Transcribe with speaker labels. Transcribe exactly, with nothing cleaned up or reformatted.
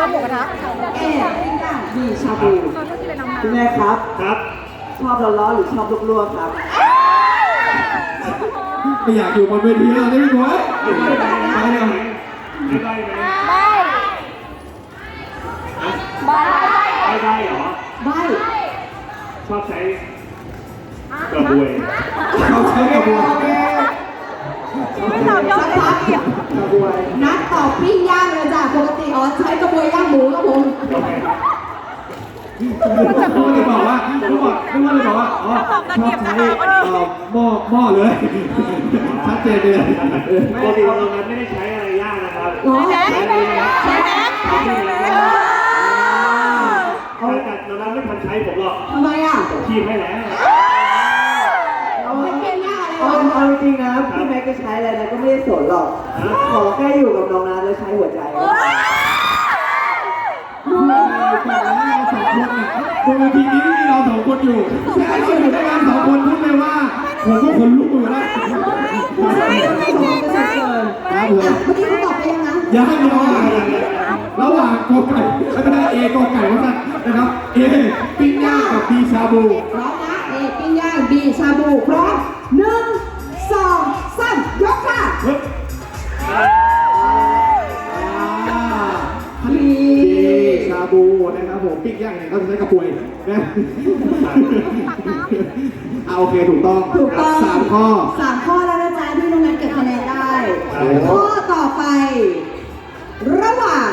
Speaker 1: อบหมูกระทะ
Speaker 2: เอปิ้งย่างบีชาบู
Speaker 1: เราต้องกินอะไรน้ำ
Speaker 3: คุณแม่ครับ
Speaker 4: ครับ
Speaker 3: ชอบร้อนๆหรือชอบลวกๆครับ
Speaker 5: ไม่อยากอยู่บนเวทีแล้วได้ไหมคุณไปเลย
Speaker 4: ไม่ได้ไหม
Speaker 1: ใบใบ
Speaker 4: ไม่ได้เหรอ
Speaker 2: ใบ
Speaker 4: ชอบใช้กระบวย
Speaker 5: เขาใช้กระบวน
Speaker 2: โอเค
Speaker 1: ไม่เรายอมเลยเกี่ยว
Speaker 3: กระบวย
Speaker 2: นัดตอบปิ้งย่างเลยจ้ะปกติอ๋อใช้กระบวยย่างหมูครับผม
Speaker 4: โอเค
Speaker 5: เขาเลยบอกว่าเขาบอกเขาเลยบอกว่าอ๋อชอบใช้หม้อหม้อเลยชัดเจนเลย
Speaker 4: ปกติเรานั้นไม่ได้ใช้อะไรยากนะครับ
Speaker 2: เหรอ
Speaker 4: ใช้อะไรนะ
Speaker 1: ใช่ไหม
Speaker 4: ใช้อะไรนะถ้าเกิดเรานั้นไม่ทันใช้ผมหรอก
Speaker 2: ทำไมอ่ะ
Speaker 4: ผมคีบให้แล้ว
Speaker 2: เอาให้ปิ้งย่างอะไร
Speaker 3: เอา
Speaker 2: วะ
Speaker 3: เอาจริงๆนะพี่แม็กจะใช้อะไรนะก็ไม่ได้สนหรอก ขอแค่อยู่กับน้องนัทแล้วใช้หัวใจ
Speaker 5: ดูแต่ละเราสองคนเนี่ยบนเวทีนี้มีเราสองคนอยู่แค่เราอยู่ด้วยกันสองคนพูดเลยว่าผมก็ขนลุกอยู่แล้ว
Speaker 2: ไม่เก่งนะ
Speaker 5: ครับผม
Speaker 2: เมื่อกี้เขาตอบไปยังนะ
Speaker 5: ยังไม่รอระหว่างกอไก่ไม่เป็นไรเอกอไก่ว่าสั่นนะครับเอปิ้งย่างกับบีชาบู
Speaker 2: พร้อมนะเอปิ้งย่างบีชาบูพร้อมหนึ่งสองสามยกค่ะ
Speaker 5: บีชาบูนะครับผมปิ้งย่างเนี่ยเขาจะใช้กระปวยนะเอาโอเคถูกต้อง
Speaker 2: ถูกต้อง
Speaker 5: สามข้อ
Speaker 2: สามข้อแล้วนะจ๊ะที่น้องนัทเก็บคะแนนได้ข้อต่อไป ระหว่าง